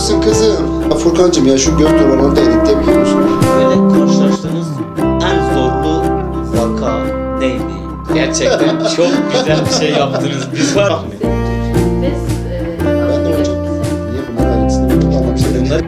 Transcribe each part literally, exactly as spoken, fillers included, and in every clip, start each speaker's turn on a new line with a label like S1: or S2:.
S1: Nasılsın kızım? Ya Furkancığım ya şu göz duvarını da editleyebiliyor musun?
S2: Böyle karşılaştığınız en zorlu vaka neydi? Gerçekten çok güzel bir şey yaptınız. Biz var mı?
S3: Biz e,
S1: Ben de hocam. Niye bunlar ayrıntısını bilmiyorum. Anlamışlar.
S2: Bunlar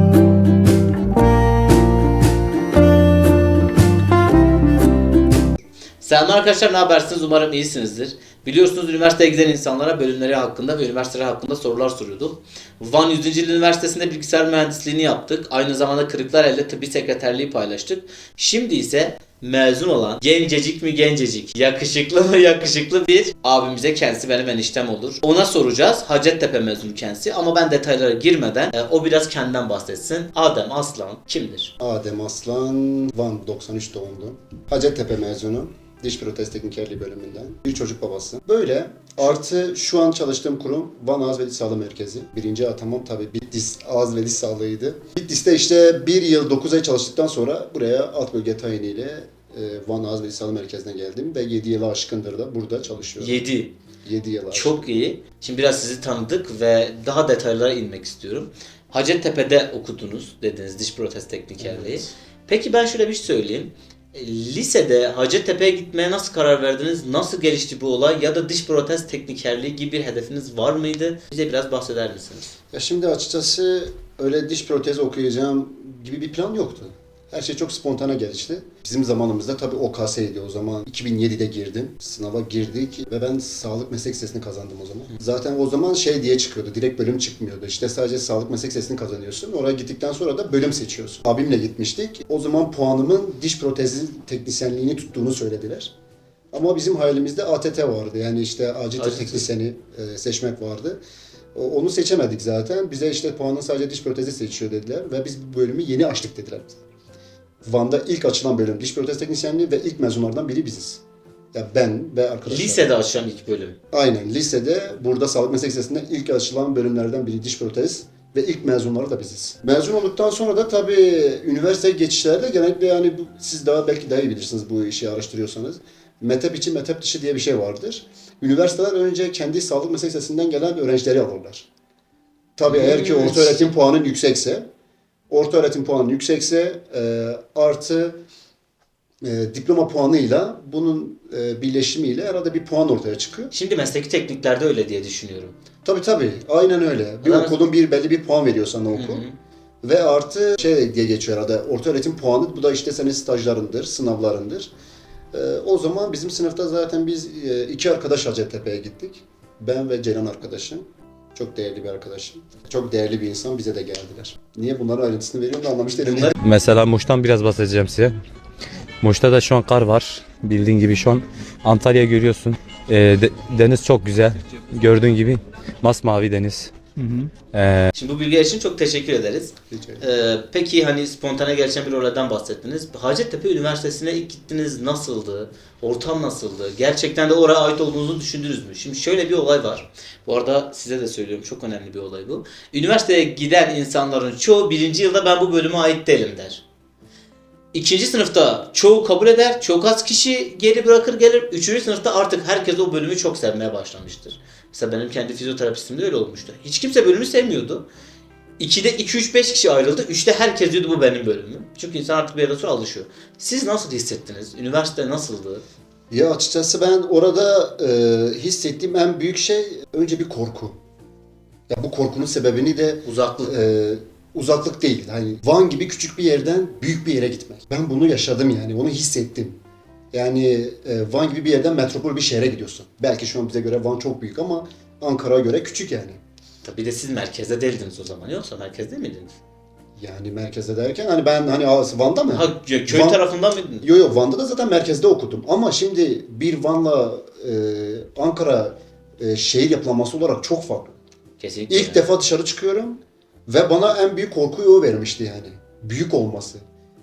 S2: Selam arkadaşlar, ne habersiniz? Umarım iyisinizdir. Biliyorsunuz üniversiteye giden insanlara bölümleri hakkında ve üniversiteleri hakkında sorular soruyordum. Van yüzüncü Yıl Üniversitesi'nde bilgisayar mühendisliğini yaptık. Aynı zamanda Kırıklareli'de tıbbi sekreterliği paylaştık. Şimdi ise mezun olan gencecik mi gencecik, yakışıklı mı yakışıklı bir abimize, kendisi benim eniştem olur. Ona soracağız. Hacettepe mezunu kendisi ama ben detaylara girmeden e, o biraz kendinden bahsetsin. Adem Aslan kimdir?
S1: Adem Aslan, Van doksan üç doğumlu. Hacettepe mezunu. Diş protez teknikerliği bölümünden. Bir çocuk babası. Böyle artı şu an çalıştığım kurum Van Ağız ve Diş Sağlığı Merkezi. Birinci atamam tabii Bitlis Ağız ve Diş Sağlığı'ydı. Bitlis'te işte bir yıl dokuz ay çalıştıktan sonra buraya alt bölge tayiniyle e, Van Ağız ve Diş Sağlığı Merkezi'ne geldim. Ve yedi yılı aşkındır da burada çalışıyorum.
S2: yedi.
S1: yedi yıl aşkın.
S2: Çok iyi. Şimdi biraz sizi tanıdık ve daha detaylara inmek istiyorum. Hacettepe'de okudunuz dediniz diş protez teknikerliği.
S1: Evet.
S2: Peki ben şöyle bir şey söyleyeyim. E, Lisede Hacettepe'ye gitmeye nasıl karar verdiniz? Nasıl gelişti bu olay? Ya da diş protez teknikerliği gibi bir hedefiniz var mıydı? Bize biraz bahseder misiniz?
S1: Ya şimdi açıkçası öyle diş protezi okuyacağım gibi bir plan yoktu. Her şey çok spontane gelişti. Bizim zamanımızda tabii O K S'ydi o zaman. iki bin yedide girdim. Sınava girdik ve ben sağlık meslek lisesini kazandım o zaman. Zaten o zaman şey diye çıkıyordu. Direkt bölüm çıkmıyordu. İşte sadece sağlık meslek lisesini kazanıyorsun. Oraya gittikten sonra da bölüm seçiyorsun. Abimle gitmiştik. O zaman puanımın diş protezi teknisyenliğini tuttuğunu söylediler. Ama bizim hayalimizde A T T vardı. Yani işte acil
S2: Acil
S1: teknisyeni e, seçmek vardı. O- Onu seçemedik zaten. Bize işte puanın sadece diş protezi seçiyor dediler. Ve biz bu bölümü yeni açtık dediler bize. Van'da ilk açılan bölüm diş protez teknisyenliği ve ilk mezunlardan biri biziz. Ya ben ve arkadaşlar.
S2: Lisede açılan ilk bölüm.
S1: Aynen lisede burada sağlık meslek lisesinde ilk açılan bölümlerden biri diş protez ve ilk mezunları da biziz. Mezun olduktan sonra da tabii üniversite geçişlerde genellikle yani bu, siz daha belki daha iyi bilirsiniz bu işi araştırıyorsanız. Metep içi, metep dışı diye bir şey vardır. Üniversiteler önce kendi sağlık meslek lisesinden gelen öğrencileri alırlar. Tabii eğer ki orta öğretim puanın yüksekse, orta öğretim puanı yüksekse e, artı e, diploma puanıyla bunun e, birleşimiyle herhalde bir puan ortaya çıkıyor.
S2: Şimdi mesleki tekniklerde öyle diye düşünüyorum.
S1: Tabii tabii. Aynen öyle. Bir
S2: Adam-
S1: okulun bir belli bir puan veriyor sana okul. Ve artı şey diye geçiyor herhalde. Orta öğretim puanı. Bu da işte senin stajlarındır, sınavlarındır. E, o zaman bizim sınıfta zaten biz e, iki arkadaş Hacettepe'ye gittik. Ben ve Ceylan arkadaşım. Çok değerli bir arkadaşım. Çok değerli bir insan bize de geldiler. Niye bunların ayrıntısını veriyorum da anlamış değilim.
S2: Bunlar-
S4: Mesela Muş'tan biraz bahsedeceğim size. Muş'ta da şu an kar var. Bildiğin gibi şu an Antalya görüyorsun. Ee, de- deniz çok güzel. Gördüğün gibi masmavi deniz. Ee,
S2: Şimdi bu bilgiler için çok teşekkür ederiz.
S1: Rica ederim.
S2: Ee, peki hani spontane gelişen bir olaydan bahsettiniz. Hacettepe Üniversitesi'ne ilk gittiniz, nasıldı? Ortam nasıldı? Gerçekten de oraya ait olduğunuzu düşündünüz mü? Şimdi şöyle bir olay var. Bu arada size de söylüyorum, çok önemli bir olay bu. Üniversiteye giden insanların çoğu birinci yılda ben bu bölüme ait değilim der. İkinci sınıfta çoğu kabul eder, çok az kişi geri bırakır gelir. Üçüncü sınıfta artık herkes o bölümü çok sevmeye başlamıştır. Mesela benim kendi fizyoterapistimde öyle olmuştu. Hiç kimse bölümü sevmiyordu. ikide iki üç beş kişi ayrıldı. üçte herkes diyordu bu benim bölümüm. Çünkü insan artık bir yerden sonra alışıyor. Siz nasıl hissettiniz? Üniversite nasıldı?
S1: Ya açıkçası ben orada e, hissettiğim en büyük şey önce bir korku. Ya bu korkunun sebebini de
S2: Uzaklık.
S1: e, uzaklık değil. Hani Van gibi küçük bir yerden büyük bir yere gitmek. Ben bunu yaşadım yani, onu hissettim. Yani e, Van gibi bir yerden metropol bir şehre gidiyorsun. Belki şu an bize göre Van çok büyük ama Ankara'ya göre küçük yani.
S2: Tabii de siz merkezde değildiniz o zaman. Yoksa merkezde miydiniz?
S1: Yani merkezde derken hani ben hani aa, Van'da mı?
S2: Ha, kö- köy
S1: Van-
S2: tarafından mıydınız?
S1: Yo yo Van'da da zaten merkezde okudum. Ama şimdi bir Van'la e, Ankara e, şehir yapılanması olarak çok farklı.
S2: Kesinlikle.
S1: İlk defa dışarı çıkıyorum ve bana en büyük korkuyu o vermişti yani. Büyük olması.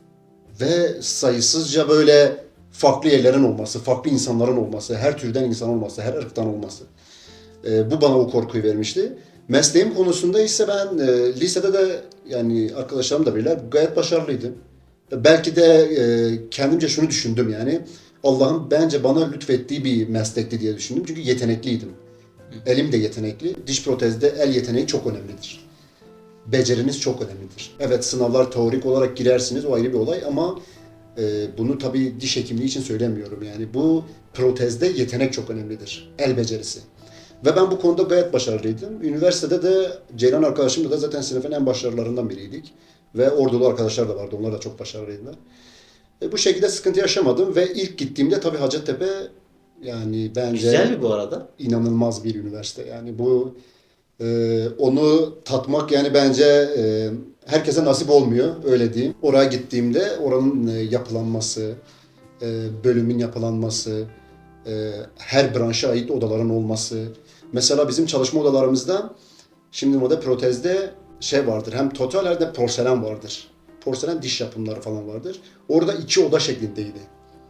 S1: Ve sayısızca böyle farklı yerlerin olması, farklı insanların olması, her türden insan olması, her ırktan olması. E, bu bana o korkuyu vermişti. Mesleğim konusunda ise ben e, lisede de yani arkadaşlarım da bilirler gayet başarılıydım. Belki de e, kendimce şunu düşündüm yani. Allah'ın bence bana lütfettiği bir meslekti diye düşündüm. Çünkü yetenekliydim. Elim de yetenekli. Diş protezde el yeteneği çok önemlidir. beceriniz çok önemlidir. Evet, sınavlar teorik olarak girersiniz, o ayrı bir olay ama e, bunu tabii diş hekimliği için söylemiyorum. Yani bu protezde yetenek çok önemlidir. El becerisi. Ve ben bu konuda gayet başarılıydım. Üniversitede de Ceylan arkadaşımla da zaten sınıfın en başarılarından biriydik. Ve ordulu arkadaşlar da vardı. Onlar da çok başarılıydılar. E, bu şekilde sıkıntı yaşamadım ve ilk gittiğimde tabii Hacettepe yani bence
S2: Güzel mi bu arada?
S1: inanılmaz bir üniversite. Yani bu e, onu tatmak yani bence e, herkese nasip olmuyor, öyle diyeyim. Oraya gittiğimde oranın e, yapılanması, e, bölümün yapılanması, e, her branşa ait odaların olması. Mesela bizim çalışma odalarımızda şimdi moda protezde şey vardır. Hem total hem de porselen vardır. Porselen diş yapımları falan vardır. Orada iki oda şeklindeydi.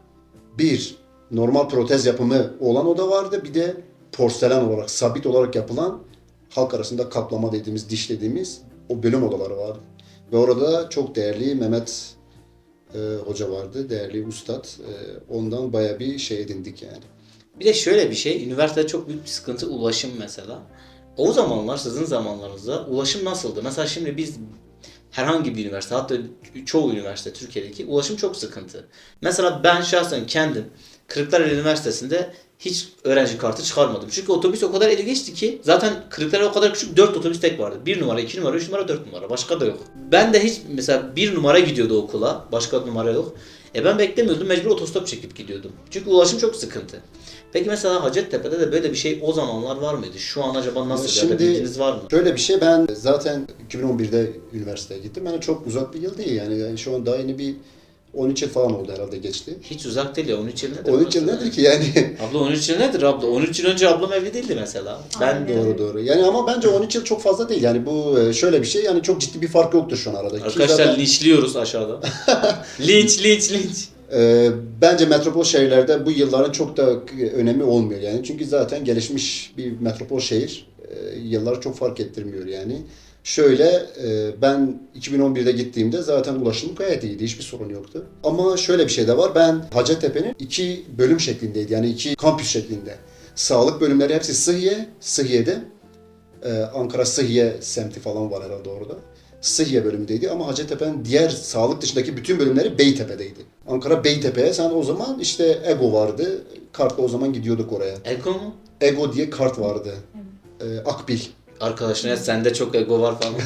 S1: Bir, normal protez yapımı olan oda vardı. Bir de porselen olarak, sabit olarak yapılan, halk arasında kaplama dediğimiz, diş dediğimiz o bölüm odaları vardı. Ve orada çok değerli Mehmet e, hoca vardı, değerli ustad. E, ondan bayağı bir şey edindik yani.
S2: Bir de şöyle bir şey, üniversitede çok büyük bir sıkıntı ulaşım mesela. O zamanlar, sizin zamanlarınızda ulaşım nasıldı? Mesela şimdi biz herhangi bir üniversite, hatta çoğu üniversite Türkiye'deki ulaşım çok sıkıntı. Mesela ben şahsen kendim Kırklareli Üniversitesi'nde hiç öğrenci kartı çıkarmadım. Çünkü otobüs o kadar ele geçti ki zaten Kırklareli o kadar küçük, dört otobüs tek vardı. bir numara, iki numara, üç numara, dört numara. Başka da yok. Ben de hiç mesela bir numara gidiyordu okula. Başka numara yok. E ben beklemiyordum. Mecbur otostop çekip gidiyordum. Çünkü ulaşım çok sıkıntı. Peki mesela Hacettepe'de de böyle bir şey o zamanlar var mıydı? Şu an acaba nasıl?
S1: Şimdi-
S2: Ya da bilginiz var mı?
S1: Şöyle bir şey, ben zaten iki bin on birde üniversiteye gittim. Yani çok uzak bir yıl değil yani. Yani şu an daha yeni bir on üç yıl falan oldu herhalde geçti.
S2: Hiç uzak değil ya. on üç yıl nedir?
S1: on üç yıl nedir ki yani?
S2: Abla on üç yıl nedir abla? on üç yıl önce ablam evli değildi mesela. Ben
S3: Aynen.
S1: Doğru doğru. Yani ama bence on üç yıl çok fazla değil. Yani bu e, şöyle bir şey, yani çok ciddi bir fark yoktur şu an aradaki.
S2: Arkadaşlar
S1: Zaten,
S2: linçliyoruz aşağıda. linç linç linç.
S1: e, bence metropol şehirlerde bu yılların çok da önemi olmuyor yani. Çünkü zaten gelişmiş bir metropol şehir. E, yıllar çok fark ettirmiyor yani. Şöyle e, ben iki bin on birde gittiğimde zaten ulaşım gayet iyiydi. Hiçbir sorun yoktu. Ama şöyle bir şey de var. Ben Hacettepe'nin iki bölüm şeklindeydi. Yani iki kampüs şeklinde. Sağlık bölümleri hepsi Sıhhiye, Sıhhiye'de. Ee, Ankara Sıhhiye semti falan var herhalde orada. Sıhhiye bölümündeydi ama Hacettepe'nin diğer sağlık dışındaki bütün bölümleri Beytepe'deydi. Ankara Beytepe'ye sen o zaman işte Ego vardı. Kartla o zaman gidiyorduk oraya.
S2: Ego mu?
S1: Ego diye kart vardı. Ee, Akbil.
S2: Arkadaşlar sende çok ego var falan.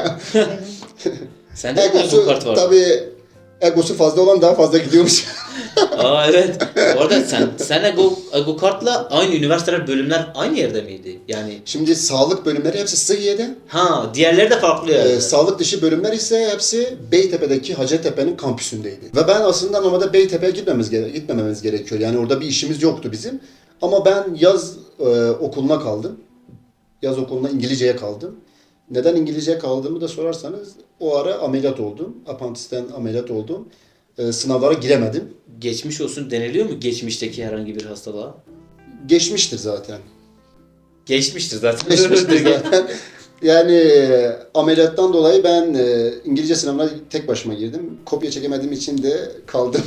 S2: Sende de ego
S1: Egosu
S2: kart var.
S1: tabii egosu fazla olan daha fazla gidiyormuş.
S2: Aa evet. Orada sen sen ego, ego kartla aynı üniversiteler bölümler aynı yerde miydi? Yani
S1: Şimdi sağlık bölümleri hepsi Sıhhiye'de.
S2: ha diğerleri de farklı yani.
S1: Ee, sağlık dışı bölümler ise hepsi Beytepe'deki Hacettepe'nin kampüsündeydi. Ve ben aslında normalde Beytepe'ye gitmemiz, gere- gitmememiz gerekiyor. Yani orada bir işimiz yoktu bizim. Ama ben yaz e, okuluna kaldım. Yaz okuluna İngilizceye kaldım. Neden İngilizceye kaldığımı da sorarsanız o ara ameliyat oldum. Apantisten ameliyat oldum. Ee, sınavlara giremedim.
S2: Geçmiş olsun deniliyor mu geçmişteki herhangi bir hastalığa?
S1: Geçmiştir zaten.
S2: Geçmiştir zaten.
S1: Geçmiştir zaten. Yani e, ameliyattan dolayı ben e, İngilizce sınavına tek başıma girdim. Kopya çekemediğim için de kaldım.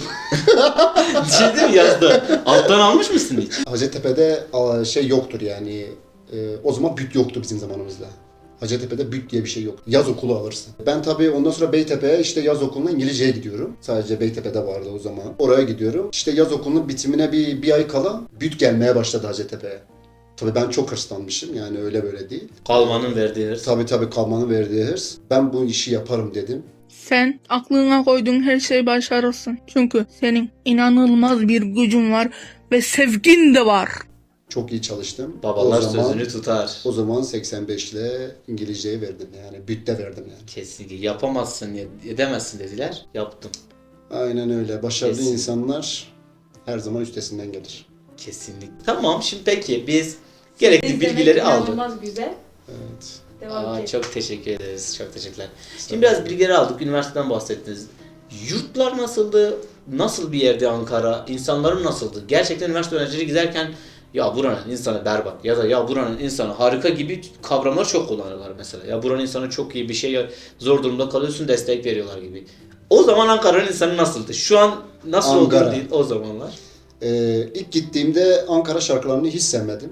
S2: Şey mi yazdı? Alttan almış mısın hiç?
S1: Hacettepe'de a, şey yoktur yani. E, o zaman büt yoktu bizim zamanımızda. Hacettepe'de büt diye bir şey yok. Yaz okulu alırsın. Ben tabii ondan sonra Beytepe'ye işte yaz okuluna İngilizceye gidiyorum. Sadece Beytepe'de vardı o zaman. Oraya gidiyorum. İşte yaz okulunun bitimine bir, bir ay kala büt gelmeye başladı Hacettepe'ye. Tabii ben çok hırslanmışım yani öyle böyle değil.
S2: Kalmanın verdiği hırs.
S1: Tabii tabii kalmanın verdiği hırs. Ben bu işi yaparım dedim.
S5: Sen aklına koyduğun her şeyi başarırsın. Çünkü senin inanılmaz bir gücün var ve sevgin de var.
S1: Çok iyi çalıştım.
S2: Babalar
S1: o zaman,
S2: sözünü tutar.
S1: O zaman seksen beş ile İngilizceyi verdim yani. Bütte verdim yani.
S2: Kesinlikle yapamazsın, edemezsin dediler. Yaptım.
S1: Aynen öyle. Başarılı
S2: Kesin.
S1: insanlar her zaman üstesinden gelir.
S2: Kesinlikle. Tamam şimdi peki biz gerekli
S3: İzlemek
S2: bilgileri aldık.
S3: inanılmaz güzel.
S1: Evet.
S3: Devam
S2: Aa,
S3: edelim.
S2: çok teşekkür ederiz. Çok teşekkürler. Şimdi biraz bilgileri aldık. Üniversiteden bahsettiniz. Yurtlar nasıldı? Nasıl bir yerdi Ankara? İnsanların nasıldı? Gerçekten üniversite öğrencileri giderken ya buranın insanı berbat ya da ya buranın insanı harika gibi kavramlar çok kullanıyorlar mesela. Ya buranın insanı çok iyi bir şey, ya zor durumda kalıyorsun destek veriyorlar gibi. O zaman Ankara'nın insanı nasıldı? Şu an nasıl
S1: Ankara.
S2: olur değil o zamanlar.
S1: Ee, ilk gittiğimde Ankara şarkılarını hiç sevmedim.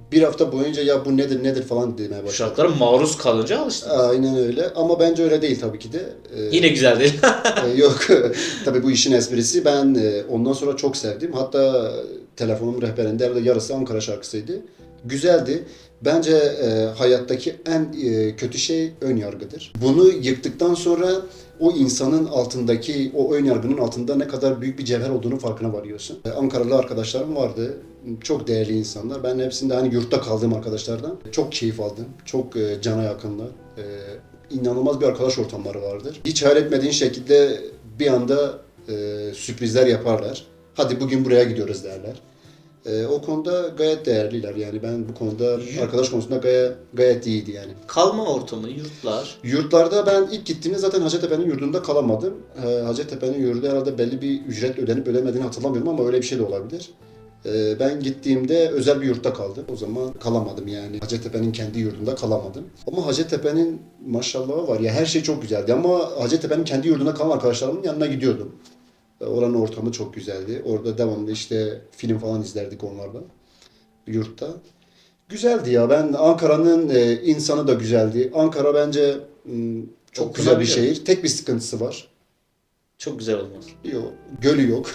S1: bir hafta boyunca ya bu nedir nedir falan demeye başladım.
S2: Şartlara maruz kalınca alıştın.
S1: Aynen öyle ama bence öyle değil tabii ki de. Ee,
S2: Yine güzel değil.
S1: e, yok tabii bu işin esprisi. Ben e, ondan sonra çok sevdim. Hatta telefonum rehberinde herhalde yarısı Ankara şarkısıydı. Güzeldi. Bence e, hayattaki en e, kötü şey ön yargıdır. Bunu yıktıktan sonra o insanın altındaki, o ön yargının altında ne kadar büyük bir cevher olduğunu farkına varıyorsun. E, Ankaralı arkadaşlarım vardı. Çok değerli insanlar. Ben hepsinde hani yurtta kaldığım arkadaşlardan çok keyif aldım. Çok e, cana yakınlar. E, inanılmaz bir arkadaş ortamları vardır. Hiç hayal etmediğin şekilde bir anda e, sürprizler yaparlar. Hadi bugün buraya gidiyoruz derler. Ee, o konuda gayet değerliler yani ben bu konuda arkadaş konusunda gayet, gayet iyiydi yani.
S2: Kalma ortamı, yurtlar.
S1: Yurtlarda ben ilk gittiğimde zaten Hacettepe'nin yurdunda kalamadım. Ee, Hacettepe'nin yurdu herhalde belli bir ücret ödenip ödemediğini hatırlamıyorum ama öyle bir şey de olabilir. Ee, ben gittiğimde özel bir yurtta kaldım. O zaman kalamadım yani. Hacettepe'nin kendi yurdunda kalamadım. Ama Hacettepe'nin maşallahı var ya her şey çok güzeldi ama Hacettepe'nin kendi yurdunda kalan arkadaşlarımın yanına gidiyordum. Oranın ortamı çok güzeldi. Orada devamlı işte film falan izlerdik onlarla. Yurtta. Güzeldi ya. Ben Ankara'nın e, insanı da güzeldi. Ankara bence m, çok
S2: Çok
S1: güzel bir
S2: güzel.
S1: şehir. Tek bir sıkıntısı var.
S2: Çok güzel olmaz.
S1: Yok. Gölü yok.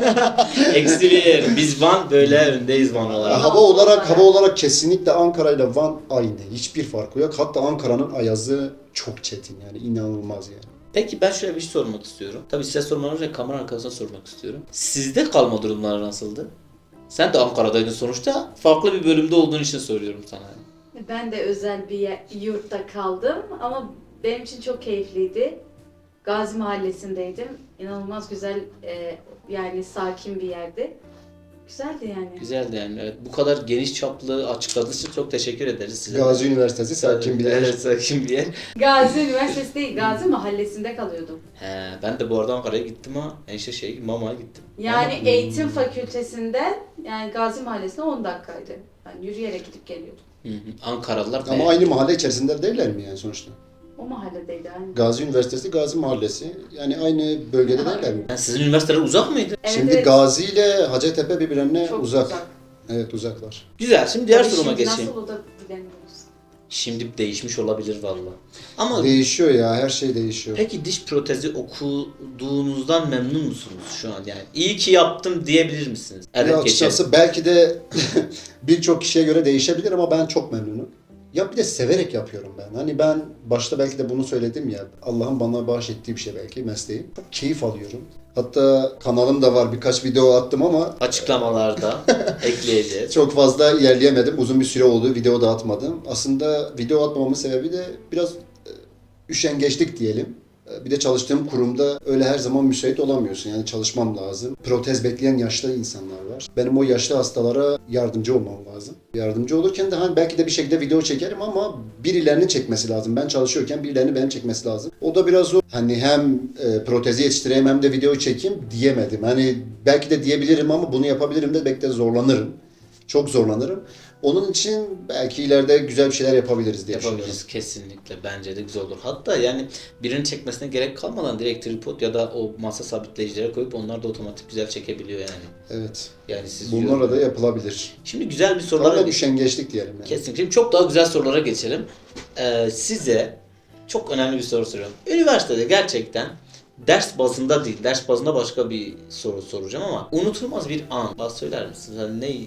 S2: Eksi bir. Biz Van böyle öndeyiz Van olarak.
S1: hava olarak hava olarak kesinlikle Ankara ile Van aynı. Hiçbir farkı yok. Hatta Ankara'nın ayazı çok çetin yani inanılmaz yani.
S2: Peki ben şöyle bir şey sormak istiyorum. Tabii size sormadan önce kamera arkasına sormak istiyorum. Sizde kalma durumları nasıldı? Sen de Ankara'daydın sonuçta. Farklı bir bölümde olduğun için soruyorum sana.
S3: Ben de özel bir yer- yurtta kaldım ama benim için çok keyifliydi. Gazi Mahallesi'ndeydim. İnanılmaz güzel, e, yani sakin bir yerdi. Güzeldi yani.
S2: Güzeldi yani. Evet. Bu kadar geniş çaplı açıkladığınız için çok teşekkür ederiz size.
S1: Gazi Üniversitesi sakin bir yer.
S2: Evet, sakin bir yer.
S3: Gazi Üniversitesi değil, Gazi Mahallesi'nde kalıyordum.
S2: He, ben de bu arada Ankara'ya gittim ama enişte şey Mama'ya gittim.
S3: Yani
S2: Ama-
S3: eğitim fakültesinden yani Gazi Mahallesi'ne on dakikaydı. Ben yürüyerek gidip geliyordum.
S2: Hı hı. Ankaralılar
S1: Ama
S2: be-
S1: aynı mahalle içerisinde değiller mi yani sonuçta?
S3: O mahalledeydi aynı.
S1: Gazi Üniversitesi, Gazi Mahallesi. Yani aynı bölgede
S3: Aha.
S1: değiller mi?
S2: Yani sizin üniversiteler uzak mıydı?
S3: Evet,
S1: Şimdi
S3: evet.
S1: Gazi ile Hacettepe birbirlerine
S3: Çok
S1: uzak.
S3: uzak.
S1: Evet uzaklar.
S2: Güzel. Şimdi diğer
S3: Tabii
S2: soruma
S3: şimdi
S2: geçeyim.
S3: Nasıl o da bilemiyoruz.
S2: Şimdi değişmiş olabilir valla. Ama
S1: Değişiyor ya, her şey değişiyor.
S2: peki diş protezi okuduğunuzdan memnun musunuz şu an yani? İyi ki yaptım diyebilir misiniz?
S1: Ya
S2: Evet
S1: açıkçası
S2: geçelim.
S1: belki de birçok kişiye göre değişebilir ama ben çok memnunum. Ya bir de severek yapıyorum ben. Hani ben başta belki de bunu söyledim ya. Allah'ın bana bahşettiği bir şey belki mesleğim. Çok keyif alıyorum. Hatta kanalım da var. Birkaç video attım ama
S2: Açıklamalarda ekleyeceğiz.
S1: çok fazla ilerleyemedim. Uzun bir süre oldu. Video da atmadım. Aslında video atmamamın sebebi de biraz e, üşengeçlik diyelim. E, Bir de çalıştığım kurumda öyle her zaman müsait olamıyorsun. Yani çalışmam lazım. Protez bekleyen yaşlı insanlar var. Benim o yaşlı hastalara yardımcı olmam lazım. Yardımcı olurken de hani belki de bir şekilde video çekerim ama birilerinin çekmesi lazım. Ben çalışıyorken birilerinin benim çekmesi lazım. O da biraz zor. Hani hem e, protezi yetiştireyim hem de video çekeyim diyemedim. Hani belki de diyebilirim ama bunu yapabilirim de belki de zorlanırım. Çok zorlanırım. Onun için belki ileride güzel bir şeyler yapabiliriz diye düşünüyorum.
S2: Yapabiliriz kesinlikle. Bence de güzel olur. Hatta yani birinin çekmesine gerek kalmadan direkt tripod ya da o masa sabitleyicilere koyup onlar da otomatik güzel çekebiliyor yani.
S1: Evet.
S2: Yani siz
S1: Bunlarla da yapılabilir.
S2: Şimdi güzel bir sorulara
S1: Tamamen üşengeçlik diyelim yani.
S2: Kesinlikle. Şimdi çok daha güzel sorulara geçelim. Ee, size çok önemli bir soru soruyorum. Üniversitede gerçekten ders bazında değil, ders bazında başka bir soru soracağım ama unutulmaz bir an. Bana söyler misiniz? Yani ne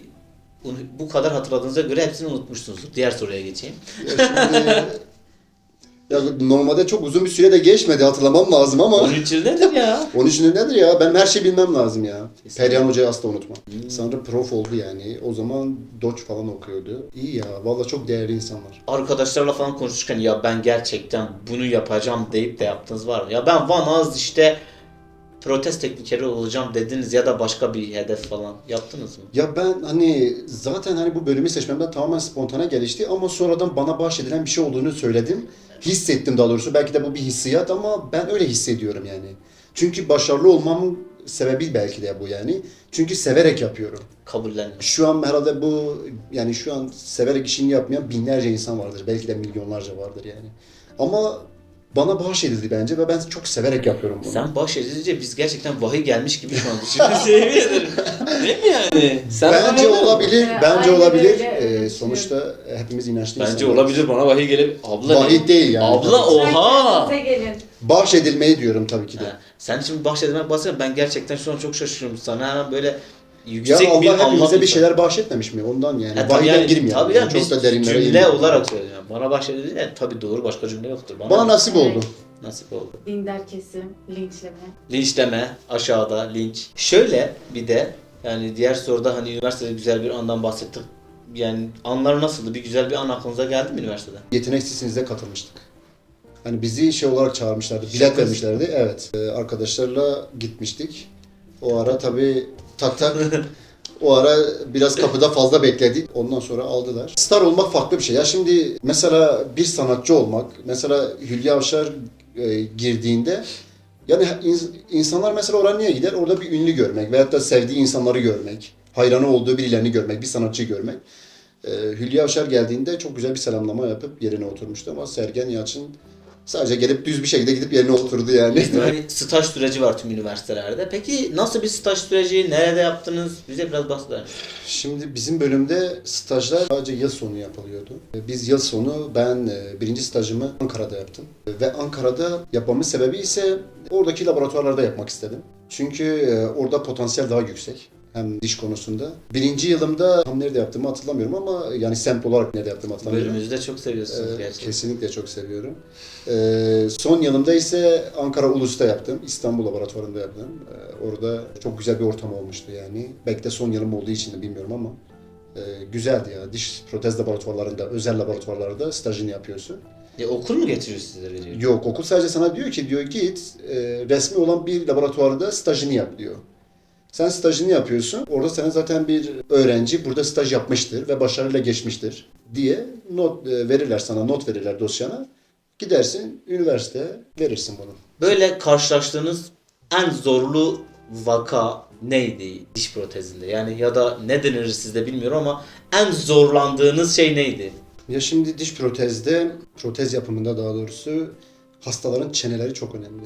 S2: bu kadar hatırladığınıza göre hepsini unutmuşsunuzdur. Diğer soruya geçeyim.
S1: Ya şimdi ya normalde çok uzun bir süre de geçmedi hatırlamam lazım ama
S2: on üç yıl nedir ya?
S1: onun için nedir ya? Ben her şeyi bilmem lazım ya.
S2: Kesinlikle.
S1: Perihan Hoca'yı asla unutmam.
S2: Hmm.
S1: Sanırım prof oldu yani. O zaman Doç falan okuyordu. İyi ya. Vallahi çok değerli insanlar.
S2: Arkadaşlarla falan konuşurken ya ben gerçekten bunu yapacağım deyip de yaptınız var mı? Ya ben Van Az işte protez teknikeri olacağım dediniz ya da başka bir hedef falan yaptınız mı?
S1: Ya ben hani zaten hani bu bölümü seçmemden tamamen spontane gelişti ama sonradan bana bahşedilen bir şey olduğunu söyledim. Hissettim daha doğrusu. Belki de bu bir hissiyat ama ben öyle hissediyorum yani. Çünkü başarılı olmamın sebebi belki de bu yani. Çünkü severek yapıyorum.
S2: Kabullenmiş.
S1: Şu an herhalde bu yani şu an severek işini yapmayan binlerce insan vardır. Belki de milyonlarca vardır yani. Ama bana bahşedildi bence ve ben çok severek yapıyorum bunu.
S2: Sen bahşedince biz gerçekten vahiy gelmiş gibi şu an düşünüyoruz. Yemin ederim. Değil mi yani? Sen
S1: Bence
S2: anlamadın mı?
S1: olabilir,
S3: Ee,
S1: bence
S3: aynen
S1: olabilir.
S3: öyle,
S1: Ee,
S3: öyle
S1: sonuçta hepimiz inançlı
S2: Bence
S1: insanlarız.
S2: olabilir, bana vahiy gelip abla
S1: Vahiy değil yani.
S2: Abla
S1: Tabii.
S2: oha.
S3: Size gelin.
S1: Bahşedilmeyi diyorum tabii ki de.
S2: Ha, sen şimdi bahşedilmek bahsediyorsun, ben gerçekten şu an çok şaşırıyorum sana. Hemen böyle
S1: Ya
S2: yüksek bir
S1: Allah hepimize
S2: anlam
S1: bir şeyler bahşetmemiş mi? Ondan yani.
S2: Ha, tabii
S1: Vahiyden
S2: yani,
S1: girmiyor.
S2: tabii
S1: yani.
S2: yani,
S1: Çok
S2: biz
S1: da derinlere
S2: cümle
S1: inmiyor.
S2: olarak söylüyorum. Bana bahşedildi de tabii doğru, başka cümle yoktur. Bana,
S1: Bana nasip oldu.
S2: nasip oldu.
S3: Dindar kesim, linçleme.
S2: Linçleme, aşağıda linç. Şöyle bir de yani diğer soruda hani üniversitede güzel bir andan bahsettik. Yani anlar nasıldı? Bir güzel bir an aklınıza geldi mi üniversitede?
S1: Yetenek sesinize katılmıştık. Hani bizi şey olarak çağırmışlardı, bilet
S2: Şaka.
S1: vermişlerdi. Evet. Ee, arkadaşlarla gitmiştik. O ara tabii tak tak o ara biraz kapıda fazla bekledik. Ondan sonra aldılar. Star olmak farklı bir şey. Ya şimdi mesela bir sanatçı olmak, mesela Hülya Avşar e, girdiğinde yani ins- insanlar mesela oraya niye gider? Orada bir ünlü görmek veyahut da sevdiği insanları görmek, hayranı olduğu birilerini görmek, bir sanatçıyı görmek. Ee, Hülya Avşar geldiğinde çok güzel bir selamlama yapıp yerine oturmuştu ama Sergen Yalçın sadece gelip düz bir şekilde gidip yerine oturdu yani.
S2: Yani staj süreci var tüm üniversitelerde. Peki nasıl bir staj süreci? Nerede yaptınız? Bize biraz bahseder misiniz?
S1: Şimdi bizim bölümde stajlar sadece yıl sonu yapılıyordu. Biz yıl sonu ben e, birinci stajımı Ankara'da yaptım. Ve Ankara'da yapmamın sebebi ise oradaki laboratuvarlarda yapmak istedim. Çünkü e, orada potansiyel daha yüksek. Hem diş konusunda. Birinci yılımda tam nerede yaptığımı hatırlamıyorum ama yani semt olarak nerede yaptığımı hatırlamıyorum.
S2: Bölümümüzü de çok seviyorsunuz
S1: Ee,
S2: gerçekten.
S1: kesinlikle çok seviyorum. Ee, son yılımda ise Ankara Ulus'ta yaptım. İstanbul Laboratuvarı'nda yaptım. Ee, orada çok güzel bir ortam olmuştu yani. Belki de son yılım olduğu için de bilmiyorum ama e, güzeldi ya. Diş protez laboratuvarlarında, özel laboratuvarlarda stajını yapıyorsun.
S2: Ya okul mu getiriyor sizlere diyor?
S1: Yok, okul sadece sana diyor ki diyor git e, resmi olan bir laboratuvarda stajını yap diyor. Sen stajını yapıyorsun. Orada senin zaten bir öğrenci burada staj yapmıştır ve başarıyla geçmiştir diye not e, verirler sana, not verirler dosyana. Gidersin üniversiteye verirsin bunu.
S2: Böyle karşılaştığınız en zorlu vaka neydi diş protezinde? Yani ya da ne denir sizde bilmiyorum ama en zorlandığınız şey neydi?
S1: Ya şimdi diş protezde, protez yapımında daha doğrusu hastaların çeneleri çok önemli.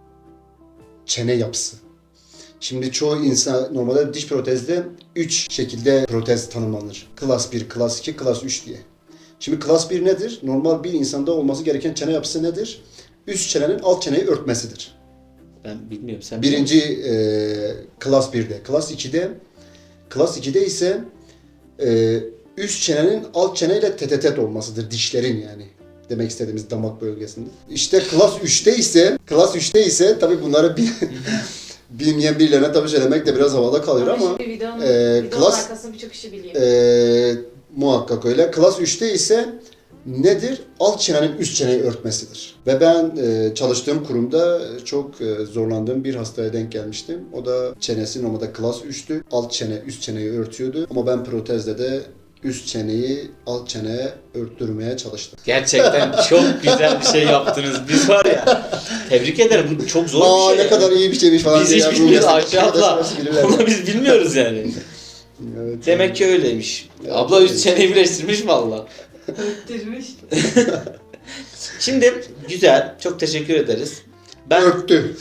S1: Çene yapısı. Şimdi çoğu insan normalde diş protezde üç şekilde protez tanımlanır. Klas bir, klas iki, klas üç diye. Şimdi klas bir nedir? Normal bir insanda olması gereken çene yapısı nedir? Üst çenenin alt çeneyi örtmesidir.
S2: Ben bilmiyorum. Sen biliyor
S1: Birinci e, klas birde. Klas ikide klas ikide ise e, üst çenenin alt çeneyle tetetet olmasıdır. Dişlerin yani. Demek istediğimiz damak bölgesinde. İşte klas üçte ise klas üçte ise tabii bunları bir bilmeyen birilerine tabii söylemek de biraz havada kalıyor ama
S3: şimdi videonun,
S1: e,
S3: videonun
S1: klas-
S3: arkasını birçok kişi biliyor.
S1: e, muhakkak öyle. Klas üçte ise nedir? Alt çenenin üst çeneyi örtmesidir. Ve ben e, çalıştığım kurumda çok e, zorlandığım bir hastaya denk gelmiştim. O da çenesi normalde klas üçtü. Alt çene üst çeneyi örtüyordu. Ama ben protezde de üst çeneyi alt çeneye örttürmeye çalıştım.
S2: Gerçekten çok güzel bir şey yaptınız. Biz var ya, tebrik ederim. Bu çok zor
S1: Aa
S2: bir şey.
S1: ne kadar iyi bir şeymiş falan.
S2: Biz
S1: diye
S2: hiç
S1: ya, bu
S2: bilmiyoruz
S1: meslek
S2: Ayşe abla.
S1: arkadaşlarımız bilirler
S2: Ama
S1: ya.
S2: biz bilmiyoruz yani.
S1: Evet,
S2: Demek ki öyleymiş.
S1: Evet,
S2: Abla üst
S1: öyle.
S2: çeneyi birleştirmiş valla.
S3: Öttürmüş.
S2: Şimdi güzel. Çok teşekkür ederiz. Ben,
S1: örttü.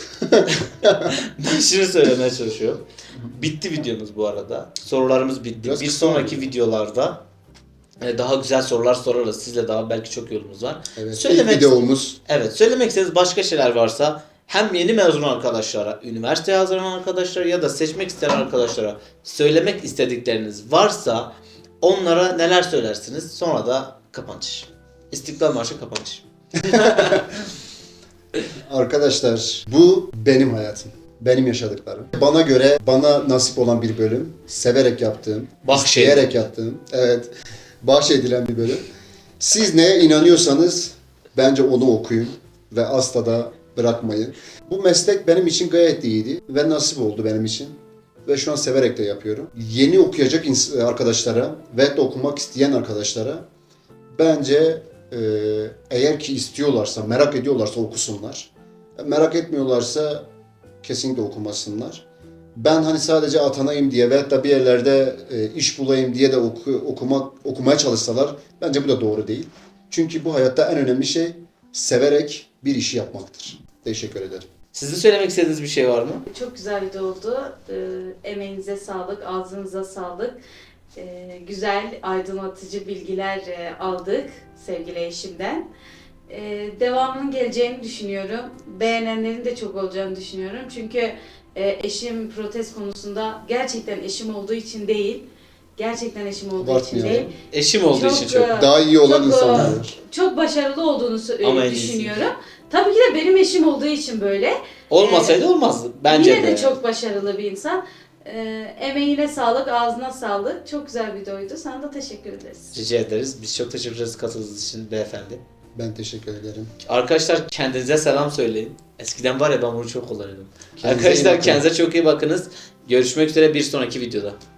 S2: ben şunu söylemeye çalışıyorum. Bitti videomuz bu arada. Sorularımız bitti.
S1: Biraz
S2: bir
S1: kısa
S2: sonraki
S1: oldu.
S2: videolarda e, daha güzel sorular sorarız. Sizle daha belki çok yolumuz var.
S1: Evet,
S2: Söylemek-
S1: ilk videomuz.
S2: Evet, söylemek istediğiniz başka şeyler varsa hem yeni mezun arkadaşlara, üniversiteye hazırlanan arkadaşlara ya da seçmek isteyen arkadaşlara söylemek istedikleriniz varsa onlara neler söylersiniz? Sonra da kapanış. İstiklal Marşı kapanış.
S1: Arkadaşlar bu benim hayatım. Benim yaşadıklarım. Bana göre bana nasip olan bir bölüm. Severek yaptığım,
S2: Bahşedilen.
S1: isteyerek yaptığım. Evet. Bahşedilen bir bölüm. Siz neye inanıyorsanız bence onu okuyun ve asla da bırakmayın. Bu meslek benim için gayet iyiydi ve nasip oldu benim için. Ve şu an severek de yapıyorum. Yeni okuyacak ins- arkadaşlara ve de okumak isteyen arkadaşlara bence e, eğer ki istiyorlarsa, merak ediyorlarsa okusunlar. Merak etmiyorlarsa kesinlikle okumasınlar. Ben hani sadece atanayım diye veyahut da bir yerlerde e, iş bulayım diye de oku, okumak okumaya çalışsalar bence bu da doğru değil. Çünkü bu hayatta en önemli şey severek bir işi yapmaktır. Teşekkür ederim.
S2: Sizin söylemek istediğiniz bir şey var mı?
S3: Çok güzel video oldu. Ee, emeğinize sağlık, ağzınıza sağlık. Ee, güzel, aydınlatıcı bilgiler e, aldık sevgili eşimden. Ee, devamının geleceğini düşünüyorum. Beğenenlerin de çok olacağını düşünüyorum. Çünkü e, eşim protez konusunda gerçekten eşim olduğu için değil, gerçekten eşim olduğu için
S1: Abartmayalım.
S3: değil.
S2: Eşim olduğu
S3: Çok,
S2: için çok.
S3: e,
S1: Daha iyi olan
S3: çok,
S1: insanlar
S3: e,
S1: var.
S3: Çok başarılı olduğunu sö-
S2: Ama
S3: e,
S2: en iyisi.
S3: düşünüyorum. Tabii ki de benim eşim olduğu için böyle.
S2: Olmasaydı olmazdı. Bence
S3: Yine
S2: de.
S3: de çok başarılı bir insan. Ee, emeğine sağlık, ağzına sağlık. Çok güzel bir videoydu. Sana da teşekkür ederiz.
S2: Rica ederiz. Biz çok teşekkür ederiz katıldığınız için beyefendi.
S1: Ben teşekkür ederim.
S2: Arkadaşlar kendinize selam söyleyin. Eskiden var ya ben bunu çok kullanıyordum.
S1: Kendinize iyi
S2: Arkadaşlar
S1: bakın.
S2: kendinize çok iyi bakınız. Görüşmek üzere bir sonraki videoda.